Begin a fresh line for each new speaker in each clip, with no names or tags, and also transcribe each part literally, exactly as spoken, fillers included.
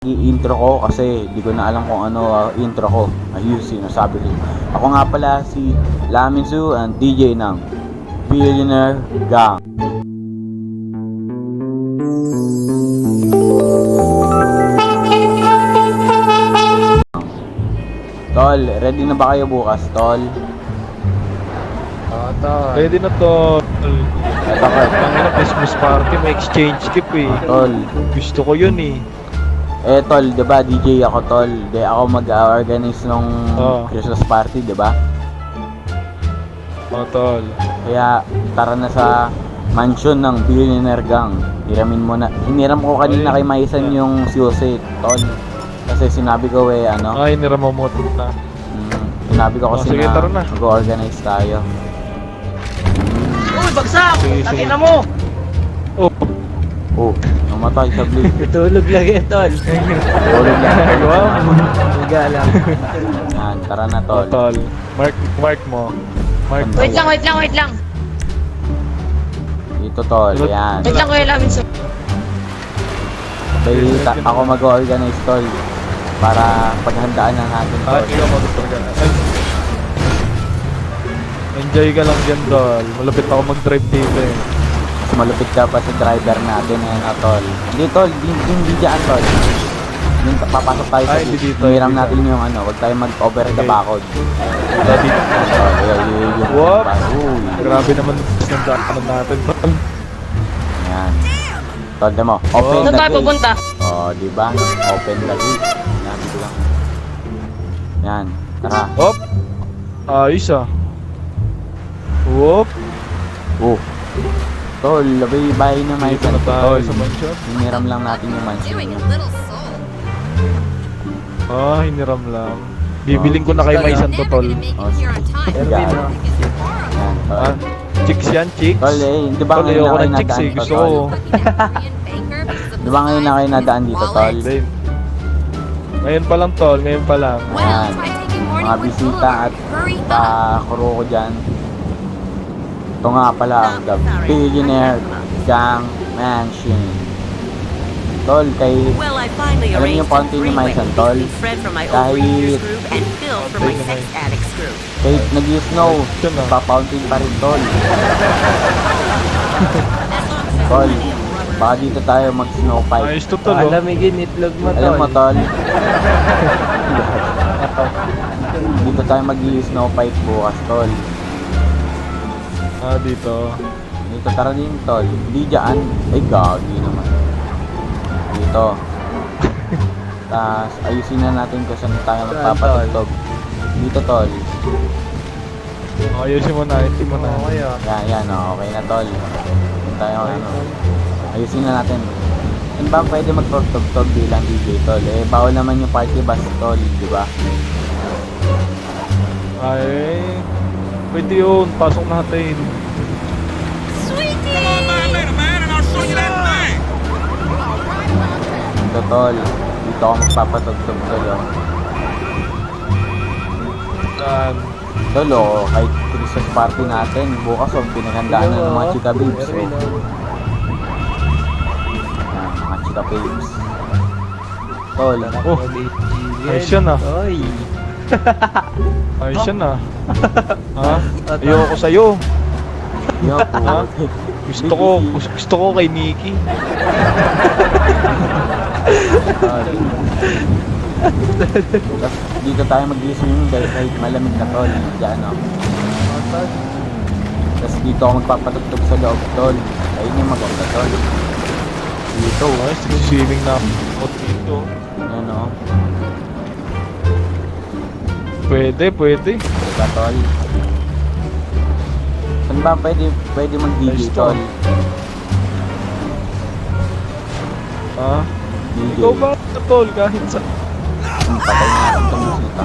I-intro ko kasi di ko na alam kung ano uh, intro ko. Ayusin, sabi ko. Ako nga pala si Laminsu and D J ng Billionaire Gang. Tol, ready na ba kayo bukas, Tol?
Ah, tol. Ready na, tol.
Ito ka.
Ang ina, Christmas party, may exchange gift eh.
Tol.
Gusto ko yun eh.
Eh, Tol, diba D J ako, Tol? Di ako mag-organize ng
Oh.
Christmas party, diba?
Oh, tol.
Kaya tara na sa mansion ng Billionaire Gang. Hiramin mo na. Hiniram ko kanina kay Maisan yung susi, Tol. Kasi sinabi ko eh, ano?
Ay, niramamoto na.
Mm, sinabi ko kasi
Oh, sige,
na
tara na.
mag-organize tayo.
Uy, bagsak!
Sige, sige.
Takina mo!
Oh,
Oh, namatay sa blade.
Tulog lang yan, tol.
Tulog lang.
Wow.
Higa lang.
Yan, tara na,
oh,
Tol.
tol. Mark, mark mo. Mark mo.
Wait lang, wait lang, wait lang.
Dito, Tol. Yan.
Wait lang, kuya Lamin. So,
Kaya ta- ako mag-organize, Tol. Para paghandaan na natin,
Ah,
Tol.
ikaw mag-tol ka. Ay. Enjoy ka lang dyan, tol. Malapit ako mag-drive dito eh.
Mas malupit ka pa sa driver natin, eh, na, Tol. Hindi, Tol. Hindi, hindi dyan, Tol. Yung papasok tayo sa
Ay, hindi dito,
hiram
hindi
natin yung ano. Huwag tayo mag-over the
Okay.
backod.
Wala dito.
Tol, yun, yun, yun.
What?
Uy.
Grabe naman ng daanan natin, tol.
Yan. Tol, mo. Open
saan
the
tayo
gate.
pupunta?
Oh, di ba? Open the gate. Yan, dito lang. Yan. Tara.
Hop. Ayos ah. Whoop.
Oh. Tol, labay bahay na may
Dito na tayo
Tol.
sa mansion.
Hiniram lang natin yung mansion.
Doing a
niya.
little soul.
Ah, hiniram lang. Bibiling ko na kay Maisan to,
Never
tol.
gonna make
Oh,
it here on time.
Erwin,
Because
oh.
you borrowed.
Yan, Tol.
Ah, chicks yan, chicks.
Tol, eh, di ba
Tol,
ngayon
ayoko
na kayo
ng chicks
nadaan
eh.
to,
Gusto
Tol?
ko.
Fucking Korean banker because of
Di
the
ba ngayon na
size
kayo
of
nadaan
his
dito,
wallet.
Tol?
Babe. Ngayon pa lang, tol. Ngayon pa lang.
Well,
Ayan.
try taking morning
Mga
with
bisita
Boulevard.
at
Hurry up.
pa-kuro ko dyan. Ito nga pala, the Billionaire Gang Mansion. Tol, kay...
Well, I finally
Alam niyo
arranged
paunti
a
ni
three-way
Maisan,
with
tol?
Fred from my
Kahit-
overeaters group and Phil from my
Paunti
sex
naman.
addicts group.
Kahit nag-snow,
Yun ah.
papauntin pa rin, Tol. Tol, baka dito tayo mag-snow fight.
Ayos to, tol. oh.
Alamigin, itlog mo,
Alam mo,
tol.
Tol. Dito tayo mag-snow fight bukas, Tol.
Ah, dito.
Dito, tara din, Tol. Hindi dyan. Ay, gagi naman. Dito. Tapos, ayusin na natin kung saan tayo magpapatugtog. Dito, Tol.
Oh, ayusin mo na. Ayusin mo na.
Yan, yan, oh, okay na, Tol. Dito tayo, ano. Ayusin na natin. Ano ba pwede magpatugtog bilang D J, Tol? Eh, bawal naman yung party bus, Tol, di ba?
Ay. Pwede yun. Pasok natin.
Dito, Tol. Dito ako magpapatugtog, Tol, oh.
Saan?
Tol, oh, kahit Christmas party natin, bukas, oh, pinaghandaan na ng mga chika babes, oh. Yan, mga chika babes. Tol,
Oh, ayos yan ah.
Oy.
Ayos yan ah. Ha? Ayoko sa'yo.
yo,
Ha?
puti.
Gusto ko, gusto, gusto ko kay Nikki.
Tol. Tapos, dito tayo mag-swimming dahil kahit malamig na, Tol. Diyan, oh. Tapos dito ako magpapatugtog sa loob, Tol. Ayun yung maganda, Tol. Dito,
Ay, swimming na ako dito.
yan, oh.
Pwede, pwede.
Diba, Tol? Saan ba pwede, pwede mag-D J,
Nice,
Tol?
Tol. Ha?
D J.
Ikaw ba, tol? Kahit sa...
Hmm, patay na natin itong musika.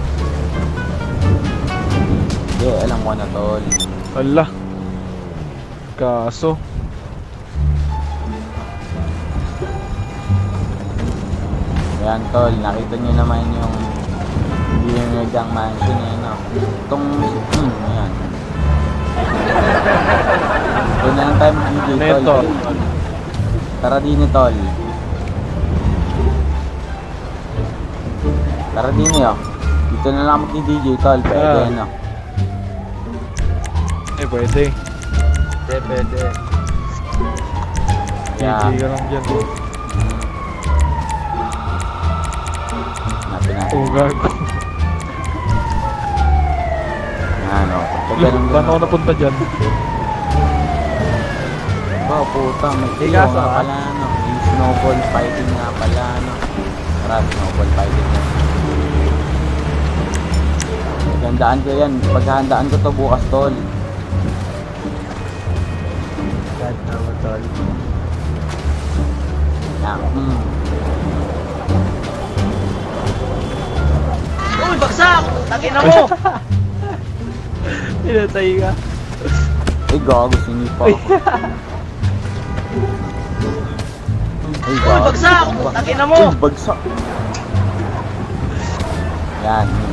Hindi, alam ko na, Tol.
Ala. Kaso.
Ayan, Tol. Nakita nyo naman yung Billionaire Gang Mansion, yan, no? Itong, hmm, ayan. Doon na lang tayo mag-D J,
Ano yun,
Tol.
Tol?
Tara din, Tol. Tara din eh, oh. Dito na lang mag-D J, tol. Pwede,
Ah.
no?
Eh, pwede.
Pwede, pwede.
Yeah.
D J ka lang dyan. Oh,
Hanapin natin.
oh gago.
Yan, oh. Pag
Look,
ganun
paano ako
ganun.
napunta dyan?
Oh, puta. May
Hey,
tiyo
kaso,
nga
ah.
pala, no? Yung snowball fighting nga pala, no? Tara, snowball fighting nga. Paghandaan ko yan. Paghandaan ko to bukas, tol.
God naman, tol.
Yan. Hmm.
Uy, bagsak! Takin mo! Pinatay ka.
Ay, gago. Sinipa ako. Ay, gago.
bagsak! Takin mo!
Uy, bagsak. Yan. hmm.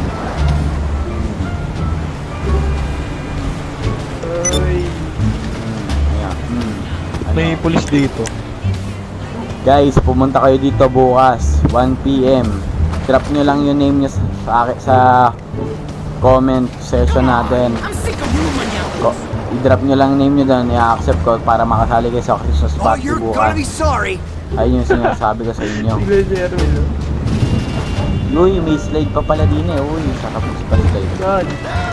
Uy.
Hmm. Ayan. Hmm. Ano?
May pulis dito.
Guys, pumunta kayo dito bukas, one P M Drop nyo lang yung name nyo sa, sa, aki- sa comment section natin. Ko, i-drop nyo lang name nyo doon, i-accept ko para makasali kayo sa Christmas
Oh,
party
you're
bukas.
gonna be sorry.
Ayun yung sinasabi ko sa inyo.
Tignan si Erwin. oh.
Uy, may slide pa pala din eh. Uy, sarap pa slide.
God.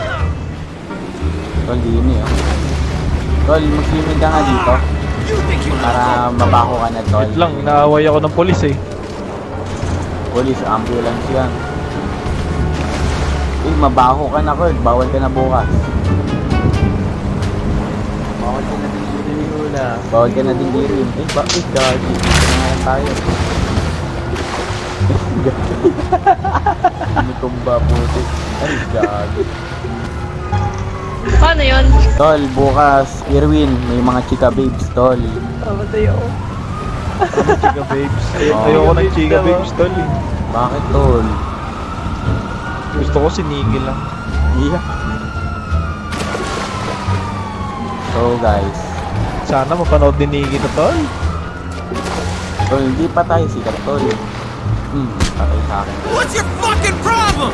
Tol, din eh. Oh. Tol, mag-swimming ka nga dito. Para mabako ka na, tol.
Wait lang, inaaway ako ng pulis eh.
Police, ambulance yan. Uy, mabaho ka na, Kurt. Bawal ka na bukas.
Bakit ka natin hula?
Bawal ka na din dirin. Eh, bakit? Gagi. Ngayon tayo. Initumba puti. Ay, gagi.
Paano yun?
Tol, bukas, Irwin, may mga chika babes, tol.
Pamatay ako.
Chica babes. Ay,
Oh.
ayoko ng chica babes tol eh.
Bakit, tol?
Gusto ko sinigil lang.
Yeah. So, guys.
Sana mapanood din ni Iggy na tol.
Tol, hindi pa tayo sikat, tol. Hmm, patay sa akin.
What's your fucking problem?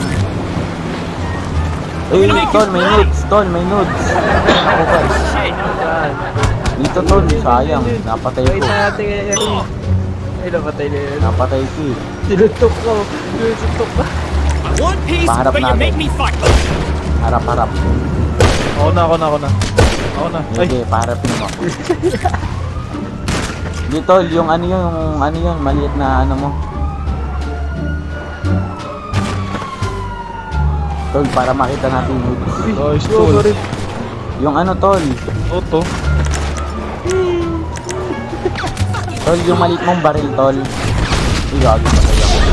Uy, tol, may nudes, tol, may nudes. Ako, guys.
God.
Dito, tol, sayang. Napatay
Wait
ko.
na natin kay Erwin. Ay, napatay na yun.
Napatay ko eh.
Sinutok ko. Sinutok ka.
One piece,
Paharap
but you
natin.
make me fight.
Harap-harap.
Ako na, ako na, ako na. Ako na. Ay,
Hindi, paharapin mo ako. Hindi, tol, yung ano yun, yung ano yun, maliit na ano mo. Tol, para makita natin yung nudes.
guys, tol.
Yung ano, tol.
Toto.
Tol, yung maliit mong baril, tol. Ay, gagi pa tayo ako.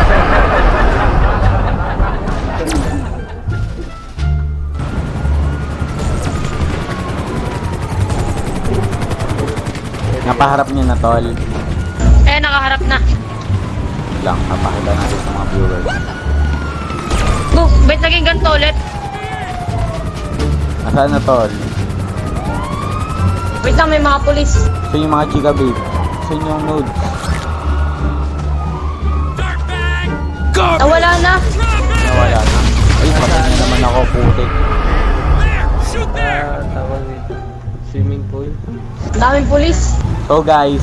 Napaharap niyo na, tol.
Eh, nakaharap na.
Wait lang, napakita natin sa mga viewers.
Book, ba't naging ganito ulit?
Nasaan na, tol?
Wait lang, may mga pulis.
Saan yung mga chika, babe? Saan yung nudes?
Nawala na.
Nawala na. Ay, patay na naman ako, putik.
Ah, tawag dito. Swimming pool.
Ang daming pulis.
So guys,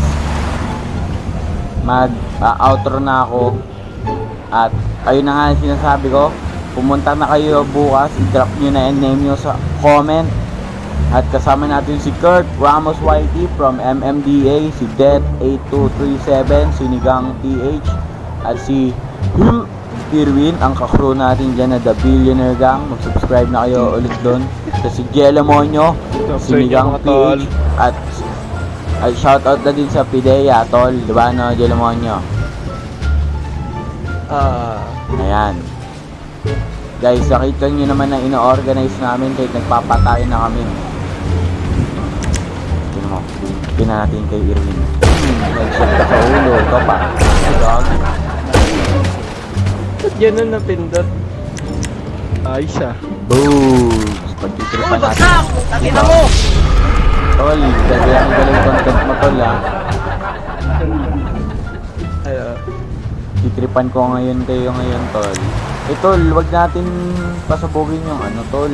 mag uh, outro na ako. At ayun na nga yung sinasabi ko. Pumunta na kayo bukas, i-drop nyo na yung name nyo sa comment. At kasama natin si Kurt Ramos Y T from M M D A, si Det eight two three seven, Sinigang P H, at si Hul Irwin, ang kakrew natin dyan na The Billionaire Gang. Mag-subscribe na kayo ulit doon. At si Jella Monyo, Sinigang P H, at ay shoutout na din sa Pidea, tol. Diba, no, Jella Monyo?
Ah.
Ayan. Guys, nakita nyo naman na ino-organize namin kahit nagpapatay na kami. Tignan mo. Tignan natin kay Irwin. Hmm, nag-shot ka sa ulo. Ito pa. Dog.
Ba't ganun napindot?
Ayos ah.
Boom! Pagtitripan natin.
Bagsak! Takin mo!
Tol, gagawin ang galing content mo, tol, ha.
Ano?
Si Pagtitripan ko ngayon kayo ngayon, tol. Eh, tol, wag natin pasabugin yung ano, tol.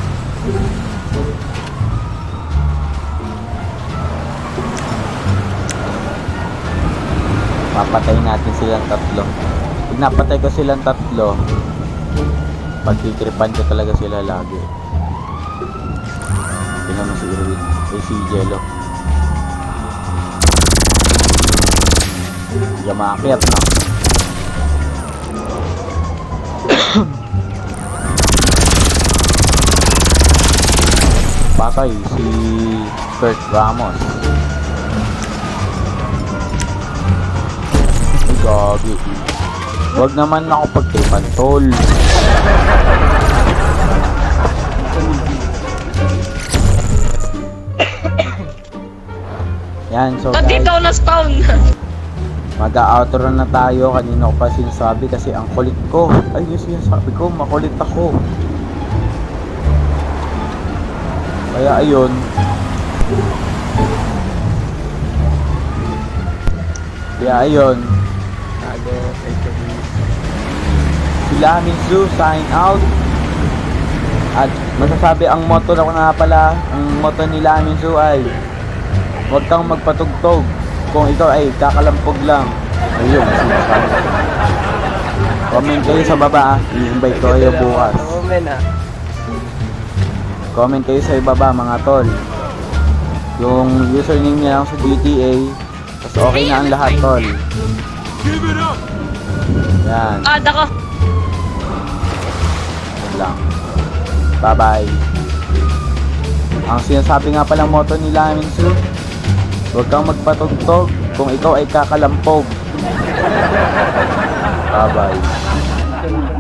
Papatay natin silang tatlo. Pag napatay ko silang tatlo, pagtitripan ko talaga sila lagi. Tingnan mo si Irwin. Eh, si Jello. Hindi maakyat, no? Patay si Kurt Ramos. Ay, gagi. Huwag naman ako pagtripan, tol. Yan, so
Ba't dito
guys,
ako na-spawn?
mag-outro na tayo. Kanina ko pa sinasabi kasi ang kulit ko. Ay, yung sinasabi ko, makulit ako. Kaya ayun. Kaya ayun.
Tago, ay sabi.
Sila Minzu, sign out. At masasabi ang motto na ko nga pala, ang motto nila Minzu ay huwag kang magpatugtog kung ikaw ay kakalampog lang. Ayun, sinasabi ko. Comment kayo sa baba, ah. I-invite ko kayo bukas.
Comment ah.
Comment kayo sa ibaba, mga tol. Yung username niya lang sa G T A. Tapos okay na ang lahat, tol.
Give it up!
Yan,
Ad ako.
yun lang. Bye-bye. Ang sinasabi nga palang motto nila, Minsu, huwag kang magpatugtog kung ikaw ay kakalampog. Bye-bye.